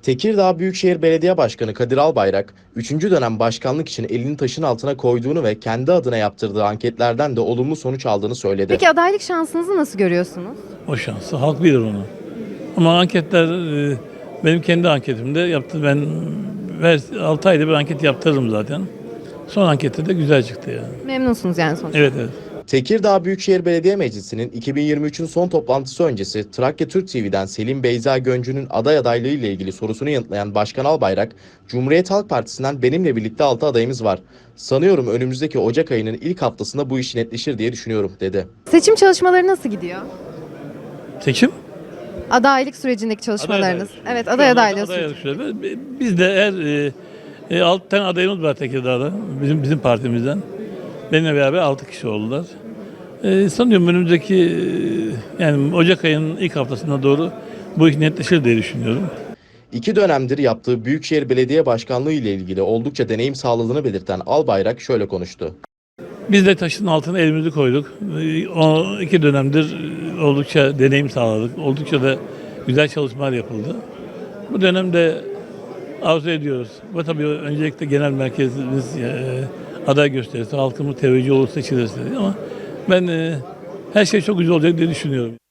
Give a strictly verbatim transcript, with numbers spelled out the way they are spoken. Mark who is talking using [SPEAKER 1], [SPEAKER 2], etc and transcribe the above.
[SPEAKER 1] Tekirdağ Büyükşehir Belediye Başkanı Kadir Albayrak, üçüncü dönem başkanlık için elini taşın altına koyduğunu ve kendi adına yaptırdığı anketlerden de olumlu sonuç aldığını söyledi.
[SPEAKER 2] Peki adaylık şansınızı nasıl görüyorsunuz?
[SPEAKER 3] O şansı halk bilir onu. Ama anketler e, benim kendi anketimde yaptı. Ben altı ayda bir anket yaptırırım zaten. Son ankette de güzel çıktı yani.
[SPEAKER 2] Memnunsunuz yani sonuçta.
[SPEAKER 3] Evet evet.
[SPEAKER 1] Tekirdağ Büyükşehir Belediye Meclisi'nin iki bin yirmi üçün son toplantısı öncesi Trakya Türk T V'den Selim Beyza Göncü'nün aday adaylığı ile ilgili sorusunu yanıtlayan Başkan Albayrak, Cumhuriyet Halk Partisi'nden benimle birlikte altı adayımız var. Sanıyorum önümüzdeki Ocak ayının ilk haftasında bu iş netleşir diye düşünüyorum, dedi.
[SPEAKER 2] Seçim çalışmaları nasıl gidiyor?
[SPEAKER 3] Seçim?
[SPEAKER 2] Adaylık sürecindeki çalışmalarınız.
[SPEAKER 3] Aday
[SPEAKER 2] Evet,
[SPEAKER 3] Şu
[SPEAKER 2] aday
[SPEAKER 3] anda
[SPEAKER 2] adaylığı
[SPEAKER 3] aday
[SPEAKER 2] süreci.
[SPEAKER 3] süreci. Biz de eğer e, e, altı tane adayımız var Tekirdağ'da. Bizim bizim partimizden. Benimle beraber altı kişi oldular. E, sanıyorum önümüzdeki e, yani Ocak ayının ilk haftasına doğru bu iş netleşir diye düşünüyorum.
[SPEAKER 1] İki dönemdir yaptığı Büyükşehir Belediye Başkanlığı ile ilgili oldukça deneyim sağladığını belirten Albayrak şöyle konuştu.
[SPEAKER 3] Biz de taşın altına elimizi koyduk. E, O iki dönemdir e, oldukça deneyim sağladık. Oldukça da güzel çalışmalar yapıldı. Bu dönemde arzu ediyoruz. Ve tabii öncelikle genel merkezimiz e, aday gösterirse, halkımız teveccüh olur, seçilirse. Ama ben e, her şey çok güzel olacak diye düşünüyorum.